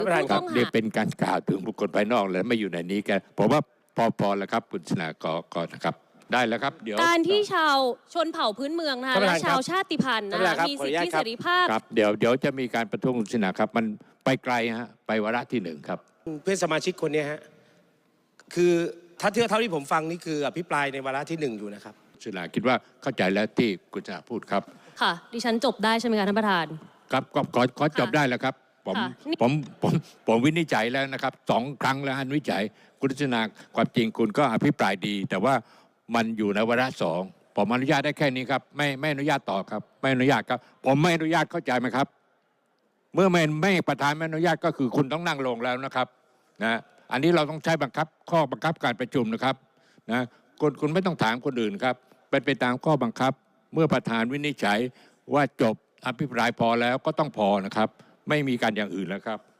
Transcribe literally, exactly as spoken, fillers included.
ครับนี่เป็นการกล่าวถึงบุคคลภายนอกและไม่อยู่ในนี้กันผมว่าพอพอแล้วครับคุณชนากรก่อนนะครับได้แล้วครับเดี๋ยวการที่ชาวชนเผ่าพื้นเมืองนะคะและชาวชาติพันธุ์นะคะมีสิทธิเสรีภาพครับเดี๋ยวเดี๋ยวจะมีการประท้วงคุณชนาครับมันไปไกลฮะไปวาระที่หนึ่งครับเพื่อนสมาชิกคนนี้ฮะคือถ้าเท่าเท่าที่ผมฟังนี่คืออภิปรายในวาระที่หนึ่งอยู่นะครับชนาคิดว่าเข้าใจแล้วที่คุณชนาพูดครับค่ะดิฉันจบได้ใช่ไหมคะท่านประธานครับก็ขอขอจบได้แล้วครับผมผมผมผมวินิจฉัยแล้วนะครับสองครั้งแล้วอันวิจัยคุณชนาความจริงคุณก็อภิปรายดี แต่ว่ามันอยู่ในวาระสองผมอนุญาตได้แค่นี้ครับไม่ไม่อนุญาตต่อครับไม่อนุญาตครับผมไม่อนุญาตเข้าใจไหมครับเมื่อไม่ไม่ประธานไม่อนุญาตก็คือคุณต้องนั่งลงแล้วนะครับนะอันนี้เราต้องใช้บังคับข้อบังคับการประชุมนะครับนะคุณคุณไม่ต้องถามคนอื่นครับเป็นไปตามข้อบังคับเมื่อประธานวินิจฉัยว่าจบอภิปรายพอแล้วก็ต้องพอนะครับไม่มีการอย่างอื่นแล้วครับ